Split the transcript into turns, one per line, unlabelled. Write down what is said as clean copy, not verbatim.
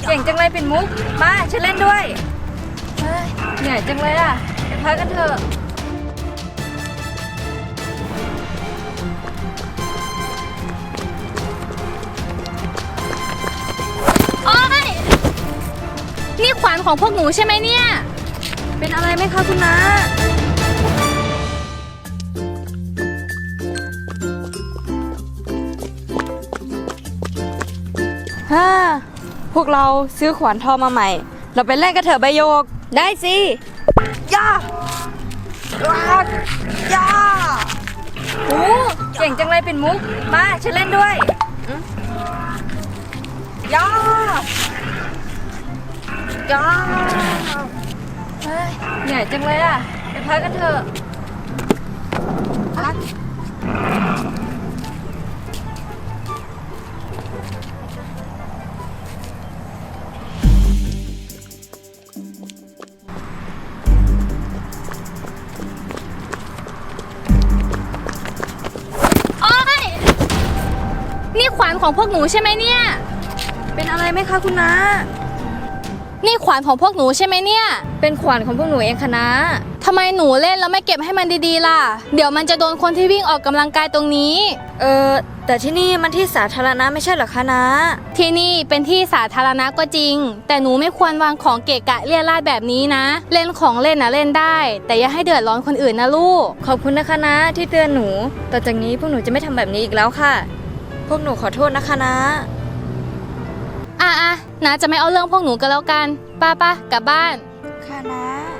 เก่งจังเลยปิ่นมุกมาฉันเล่นด้วยเฮ้ยเหนื่อยจังเลยอ่ะไปพักกันเถอะ
โอ๊ยนี่ขวานของพวกหนูใช่ไหมเนี่ย
เป็นอะไรไหมคะคุณน้าฮ่าพวกเราซื้อขวานทองมาใหม่เราไปเล่นกันเถอะใบโยกได้สิย่าย่าโอ้เก่งจังเลยปิ่นมุกมาฉันเล่นด้วยย่าย่าเฮ้ยเหนื่อยจังเลยอ่ะไปพักกันเถอะพัก
โอ๊ยนี่ขวานของพวกหนูใช่ไหมเนี่ย
เป็นอะไรไหมคะคุณน้า
นี่ขวานของพวกหนูใช่ไหมเนี่ย
เป็นขวานของพวกหนูเองค่ะน้า
ทำไมหนูเล่นแล้วไม่เก็บให้มันดีๆล่ะเดี๋ยวมันจะโดนคนที่วิ่งออกกำลังกายตรงนี้
แต่ที่นี่มันที่สาธารณะไม่ใช่เหรอคะน้า
ที่นี่เป็นที่สาธารณะก็จริงแต่หนูไม่ควรวางของเกะกะเลี่ยราดแบบนี้นะเล่นของเล่นนะเล่นได้แต่อย่าให้เดือดร้อนคนอื่นนะลูก
ขอบคุณนะคะน้าที่เตือนหนูต่อจากนี้พวกหนูจะไม่ทำแบบนี้อีกแล้วค่ะพวกหนูขอโทษนะคะน้า
นะจะไม่เอาเรื่องพวกหนูกันแล้วกันป้ากลับบ้าน
ค่ะน้า